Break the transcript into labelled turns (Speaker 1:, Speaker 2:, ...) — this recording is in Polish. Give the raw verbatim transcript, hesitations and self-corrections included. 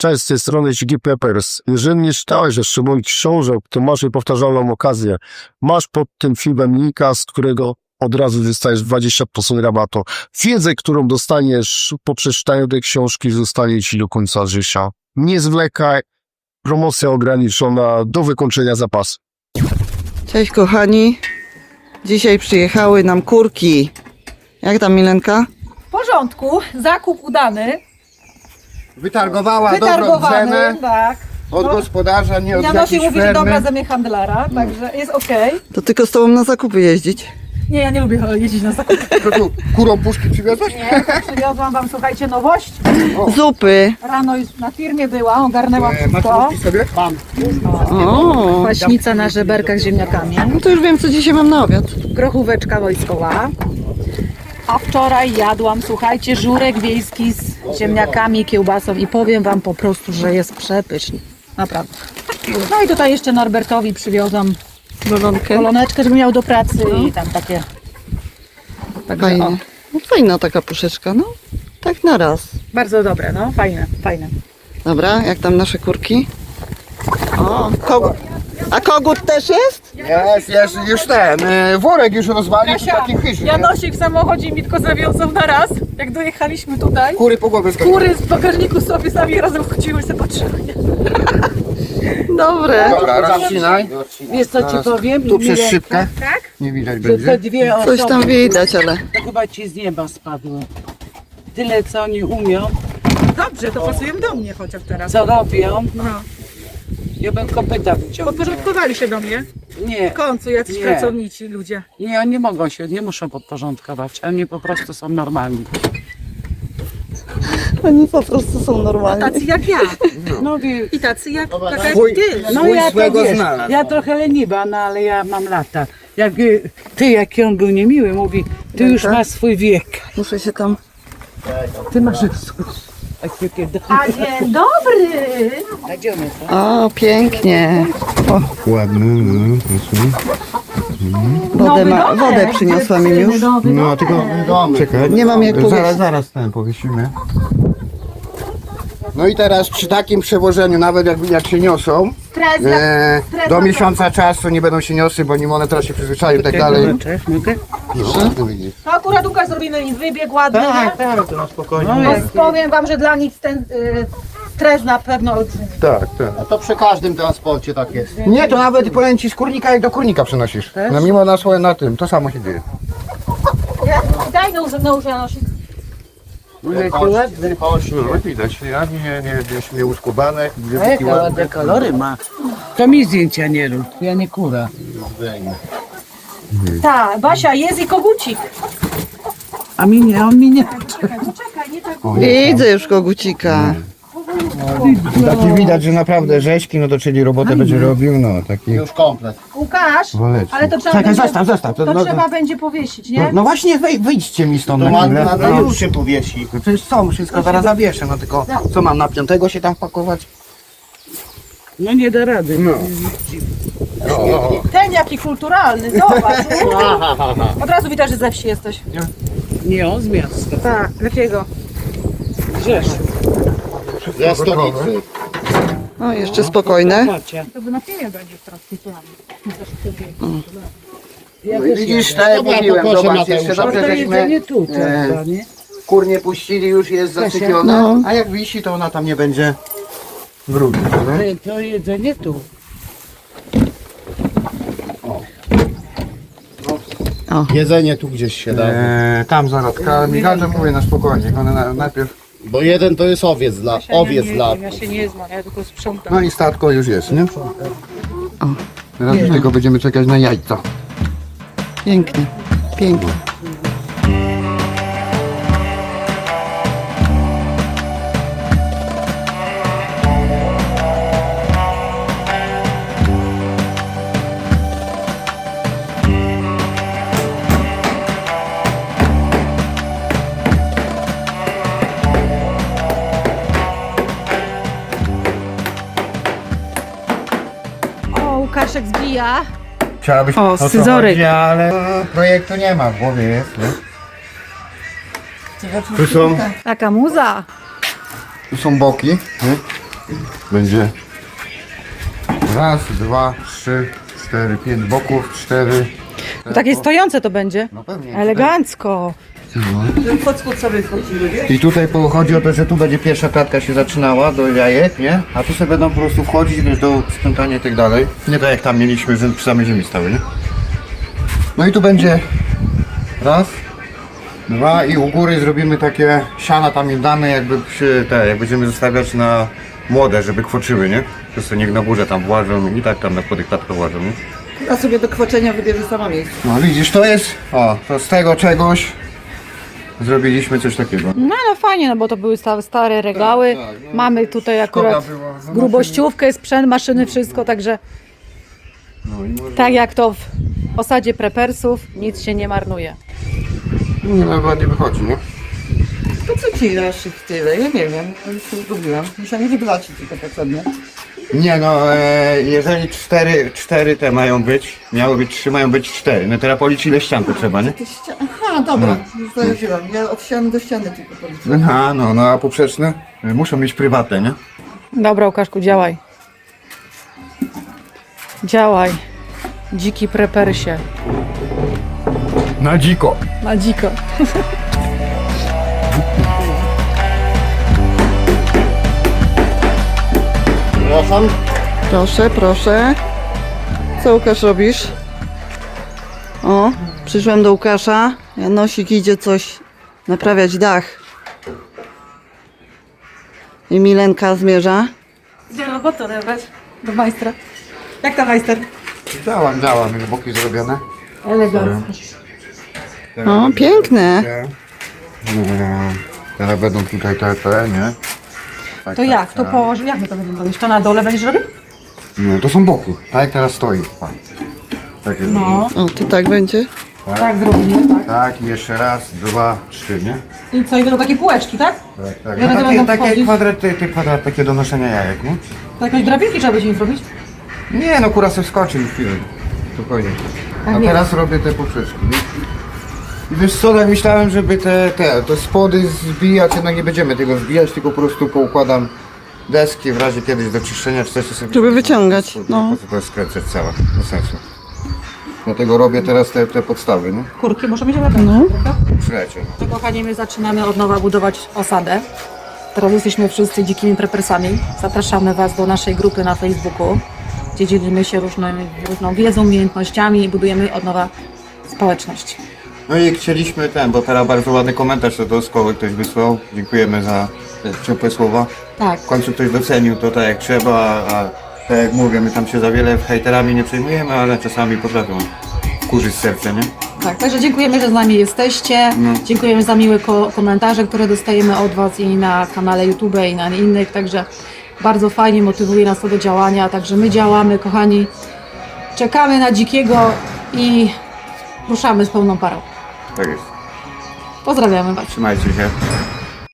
Speaker 1: Cześć, z tej strony Ziggy Peppers. Jeżeli nie czytałeś jeszcze moich książek, to masz niepowtarzalną okazję. Masz pod tym filmem linka, z którego od razu dostajesz dwadzieścia procent rabatu. Wiedzę, którą dostaniesz po przeczytaniu tej książki, zostanie ci do końca życia. Nie zwlekaj. Promocja ograniczona do wykończenia zapasu.
Speaker 2: Cześć kochani. Dzisiaj przyjechały nam kurki. Jak tam, Milenka?
Speaker 3: W porządku, zakup udany,
Speaker 4: Wytargowała dobrą
Speaker 3: wytargowany,
Speaker 4: cenę
Speaker 3: tak.
Speaker 4: od gospodarza, nie od
Speaker 3: Janosi
Speaker 4: jakiejś
Speaker 3: mówi, że
Speaker 4: fermy.
Speaker 3: dobra ze mnie handlara, także jest okej.
Speaker 2: To tylko z tobą na zakupy jeździć.
Speaker 3: Nie, ja nie lubię jeździć na zakupy.
Speaker 4: To tu kurą puszki przywiozłaś?
Speaker 3: Nie, przywiozłam wam, słuchajcie, nowość.
Speaker 2: Zupy.
Speaker 3: Rano już na firmie była, ogarnęłam
Speaker 4: E, masz
Speaker 3: wszystko.
Speaker 4: puszki sobie? Mam.
Speaker 2: O,
Speaker 3: Kwaśnica na żeberkach z ziemniakami,
Speaker 2: no to już wiem, co dzisiaj mam na obiad.
Speaker 3: grochóweczka wojskowa. A wczoraj jadłam, słuchajcie, żurek wiejski z ziemniakami, kiełbasą i powiem wam po prostu, że jest przepyszny. Naprawdę. No i tutaj jeszcze Norbertowi przywiozłam
Speaker 2: Bolonkę.
Speaker 3: koloneczkę, żeby miał do pracy i tam takie. Także, o,
Speaker 2: Fajnie. No, fajna taka puszeczka, no. Tak na raz.
Speaker 3: bardzo dobre, no, fajne, fajne.
Speaker 2: Dobra, jak tam nasze kurki? O, kogut. A kogut też jest?
Speaker 4: Jest, jest, już ten, e, worek już rozwalił, to taki chyży, nie?
Speaker 3: Janosik w samochodzie mi tylko zawiązał na raz, jak dojechaliśmy tutaj.
Speaker 4: Kury po głowie skakują.
Speaker 3: Kury z bagażniku sobie sami razem wchodziły i sobie patrzyły. nie?
Speaker 2: Dobre.
Speaker 4: Dobra, rozcinaj.
Speaker 5: Wiesz co ci powiem?
Speaker 4: Tu przez
Speaker 5: Milenka?
Speaker 4: szybkę.
Speaker 3: Tak?
Speaker 4: Nie widać
Speaker 5: Że te
Speaker 4: będzie.
Speaker 5: dwie
Speaker 2: Coś
Speaker 5: osoby
Speaker 2: tam widać, ale...
Speaker 5: to chyba ci z nieba spadły. Tyle co oni umią,
Speaker 3: Dobrze, to pasują do mnie chociaż teraz.
Speaker 5: co robią.
Speaker 3: No.
Speaker 5: Ja bym kopyta wyciągnął.
Speaker 3: Podporządkowali się do mnie.
Speaker 5: Nie,
Speaker 3: W końcu jacyś
Speaker 5: Nie.
Speaker 3: pracownici ludzie.
Speaker 5: nie, oni mogą się, nie muszą podporządkować. Oni po prostu są normalni.
Speaker 2: Oni po prostu są normalni.
Speaker 3: Tacy jak ja.
Speaker 5: No wie,
Speaker 3: I tacy jak, taka jak
Speaker 4: Swój-
Speaker 3: ty.
Speaker 5: no
Speaker 4: Swój
Speaker 5: ja to
Speaker 4: swego
Speaker 5: wiesz,
Speaker 4: znalazł.
Speaker 5: ja trochę leniwa, no ale ja mam lata. Jak y, ty, jaki on był niemiły, mówi, ty już masz swój wiek.
Speaker 2: Muszę się tam...
Speaker 5: Ty masz swój... Takie
Speaker 3: A dzień dobry!
Speaker 5: Idziemy, to.
Speaker 2: O, pięknie.
Speaker 4: Ładny, no, proszę.
Speaker 2: Wodę, ma... Wodę przyniosła mi już.
Speaker 4: No, tylko czekaj.
Speaker 2: Nie mam jak
Speaker 4: Zaraz,
Speaker 2: powiedzieć.
Speaker 4: zaraz ten powiesimy. No i teraz przy takim przewożeniu, nawet jak, jak się niosą,
Speaker 3: Stres,
Speaker 4: e, do miesiąca czasu nie będą się niosły, bo nim one teraz się przyzwyczają i tak dalej.
Speaker 5: Cześć, mogę?
Speaker 4: No, no widzisz.
Speaker 3: To akurat Łukasz zrobimy im wybieg ładny.
Speaker 4: Tak, tak, to na spokojnie.
Speaker 5: No,
Speaker 3: Bo
Speaker 5: jak,
Speaker 3: powiem wam, że dla nich ten y, stres na pewno olbrzymi.
Speaker 4: Tak, tak.
Speaker 6: A to przy każdym transporcie tak jest.
Speaker 4: Nie, to nawet powiem ci z kurnika jak do kurnika przenosisz. No mimo na swoje na tym, to samo się dzieje.
Speaker 3: Daj nóż, nóż Janosik.
Speaker 5: jakie ładne.
Speaker 4: No widać, ja nie, nie, nie, nie uskubane,
Speaker 5: A jakie ładne kolory ma. To mi zdjęcia nie rób, ja nie kura.
Speaker 3: Tak, Basia, jest i kogucik.
Speaker 5: A mi nie, on mi nie.
Speaker 3: Czekaj, poczekaj, nie tak.
Speaker 2: Widzę już kogucika.
Speaker 4: Taki widać, że naprawdę rzeźki, no to czyli robotę będzie robił, no taki
Speaker 6: Już komplet.
Speaker 3: Łukasz,
Speaker 4: waleczny.
Speaker 3: ale to trzeba
Speaker 4: Czekaj,
Speaker 3: będzie,
Speaker 4: zostaw, zostaw.
Speaker 3: to
Speaker 4: To, no,
Speaker 3: trzeba będzie powiesić,
Speaker 4: no,
Speaker 3: nie?
Speaker 4: no właśnie, wej, wyjdźcie mi stąd
Speaker 6: To
Speaker 4: na
Speaker 6: ładnie
Speaker 4: chwilę.
Speaker 6: na
Speaker 4: No,
Speaker 6: już się powiesi.
Speaker 4: no przecież co, wszystko zaraz zawieszę, no tylko co mam na piątego się tam pakować?
Speaker 5: No nie da rady.
Speaker 4: No.
Speaker 3: Ten jaki kulturalny, zobacz. Od razu widać, że ze wsi jesteś.
Speaker 5: Nie, on z miasta.
Speaker 3: Tak, jakiego?
Speaker 5: Rzeszów.
Speaker 6: Ze stolicy.
Speaker 2: O, jeszcze spokojne.
Speaker 5: Macie.
Speaker 3: To by na filmie będzie teraz w tym planie.
Speaker 5: Ja
Speaker 4: No
Speaker 5: też
Speaker 4: i widzisz,
Speaker 5: nie.
Speaker 4: tak jak
Speaker 6: Dobra,
Speaker 4: mówiłem,
Speaker 6: to proszę
Speaker 4: zobacz,
Speaker 6: Mateusza.
Speaker 4: jeszcze dobrze,
Speaker 5: To
Speaker 4: żeśmy
Speaker 5: jedzenie tu,
Speaker 4: e,
Speaker 5: prawda, nie?
Speaker 4: kur nie puścili, już jest zasypiona,
Speaker 2: No.
Speaker 4: a jak wisi, to ona tam nie będzie wrócić.
Speaker 5: To- To jedzenie tu.
Speaker 6: Jedzenie tu gdzieś się da.
Speaker 4: E, tam zarodka, Michał mówię na spokojnie, one na, najpierw,
Speaker 6: Bo jeden to jest owiec dla, owiec
Speaker 3: ja,
Speaker 6: dla.
Speaker 3: nie, ja się nie znam, ja tylko sprzątam.
Speaker 4: no i statko już jest, nie? Teraz już tylko będziemy czekać na jajca.
Speaker 2: Pięknie. Pięknie.
Speaker 3: O, Łukaszek zbija.
Speaker 4: Chciałabyś
Speaker 2: O,
Speaker 4: co
Speaker 2: scyzoryk.
Speaker 4: chodzi, ale projektu nie ma, w głowie jest, nie? Tu są,
Speaker 3: Taka muza.
Speaker 4: tu są boki, nie? Będzie raz, dwa, trzy, cztery, pięć boków, cztery.
Speaker 3: Takie stojące to będzie.
Speaker 4: No pewnie.
Speaker 3: Elegancko.
Speaker 4: I tutaj po- chodzi o to, że tu będzie pierwsza klatka się zaczynała do jajek, nie? A tu sobie będą po prostu wchodzić, wiesz, do sprzątania i tak dalej. Nie tak jak tam mieliśmy, że przy samej ziemi stały, nie? No i tu będzie raz, dwa i u góry zrobimy takie siana tam im damy, jakby przy te, jak będziemy zostawiać na młode, żeby kwoczyły, nie? To sobie niech na górze tam włażą i tak tam na podych klatkach włażą, nie?
Speaker 2: A sobie do kwoczenia wybierze sama miejsce.
Speaker 4: No widzisz, to jest, o, to z tego czegoś zrobiliśmy coś takiego.
Speaker 3: No no fajnie, no bo to były stare, stare regały.
Speaker 4: Tak, tak, no.
Speaker 3: Mamy tutaj akurat
Speaker 4: Szkoda było, no,
Speaker 3: grubościówkę, sprzęt, maszyny, wszystko, także
Speaker 4: No i może...
Speaker 3: tak jak to w osadzie prepersów, nic się nie marnuje.
Speaker 4: Nie, no ładnie wychodzi, nie?
Speaker 2: To co ci dasz ich tyle? Ja nie wiem, ja już się zgubiłam. Myślałam, że dwa ci tylko potrzebne.
Speaker 4: Nie no, e, jeżeli cztery, cztery te mają być, miały być trzy, mają być cztery. No teraz policzyć ile ścian to trzeba, nie?
Speaker 2: Ty ścia... Aha, dobra, już zauważyłam. Ja od ściany do ściany tylko policzę.
Speaker 4: Aha, no, no a poprzeczne e, muszą mieć prywatne, nie?
Speaker 3: Dobra, Łukaszku, działaj. Działaj. Dziki prepersie.
Speaker 4: Na dziko.
Speaker 3: Na dziko.
Speaker 6: Przepraszam.
Speaker 2: Proszę, proszę. Co Łukasz robisz? O, przyszłam do Łukasza. Janosik idzie coś naprawiać dach. I Milenka zmierza.
Speaker 3: Gdzie robotę odebrać? Do majstra. Jak ta majster?
Speaker 4: Działam, działam, już boki zrobione.
Speaker 3: Elegancko.
Speaker 2: O, piękne.
Speaker 4: E, teraz będą tutaj te, te, nie? Tak,
Speaker 3: To
Speaker 4: tak,
Speaker 3: jak? To
Speaker 4: tak.
Speaker 3: położy, jak my to będziemy robić? To na dole będziesz robił?
Speaker 4: Nie, to są boki, tak jak teraz stoi. Tak, tak jest.
Speaker 3: No,
Speaker 2: O, to tak będzie.
Speaker 3: tak zrobimy, tak.
Speaker 4: Tak, i jeszcze raz, dwa, trzy, nie?
Speaker 3: I co, i będą takie półeczki, tak?
Speaker 4: Tak, tak.
Speaker 3: Ja
Speaker 4: No,
Speaker 3: będę
Speaker 4: takie,
Speaker 3: będą
Speaker 4: takie
Speaker 3: wchodzić.
Speaker 4: kwadraty, te kwadrat, takie do noszenia jajek, nie?
Speaker 3: To jakieś drabinki trzeba będzie im zrobić?
Speaker 4: Nie, no kura sobie wskoczy i chwilę. Spokojnie. A
Speaker 3: nie.
Speaker 4: teraz robię te poprzeczki, nie? I wiesz co, tak myślałem, żeby te, te, te spody zbijać, jednak nie będziemy tego zbijać, tylko po prostu poukładam deski w razie kiedyś do czyszczenia, czy coś to sobie...
Speaker 2: Żeby wyciągać, no.
Speaker 4: Po co to jest skręcać całe, bez sensu. Dlatego robię teraz te, te podstawy, nie?
Speaker 3: Kurki muszą mieć elegancko,
Speaker 2: No.
Speaker 3: prawda?
Speaker 4: Słuchajcie.
Speaker 3: To kochani, my zaczynamy od nowa budować osadę. Teraz jesteśmy wszyscy dzikimi prepersami. Zapraszamy Was do naszej grupy na Facebooku, gdzie dzielimy się różną, różną wiedzą, umiejętnościami i budujemy od nowa społeczność.
Speaker 4: No i chcieliśmy ten, bo teraz bardzo ładny komentarz do szkoły ktoś wysłał. Dziękujemy za te ciepłe słowa.
Speaker 3: Tak.
Speaker 4: W końcu ktoś docenił to tak jak trzeba, a tak jak mówię, my tam się za wiele hejterami nie przejmujemy, ale czasami potrafią kurzyć serce, nie?
Speaker 3: Tak, także dziękujemy, że z nami jesteście.
Speaker 4: No.
Speaker 3: Dziękujemy za miłe ko- komentarze, które dostajemy od Was i na kanale YouTube i na innych, także bardzo fajnie motywuje nas to do działania, także my działamy, kochani. Czekamy na dzikiego i ruszamy z pełną parą.
Speaker 4: Tak jest.
Speaker 3: Pozdrawiamy Was.
Speaker 4: Trzymajcie się.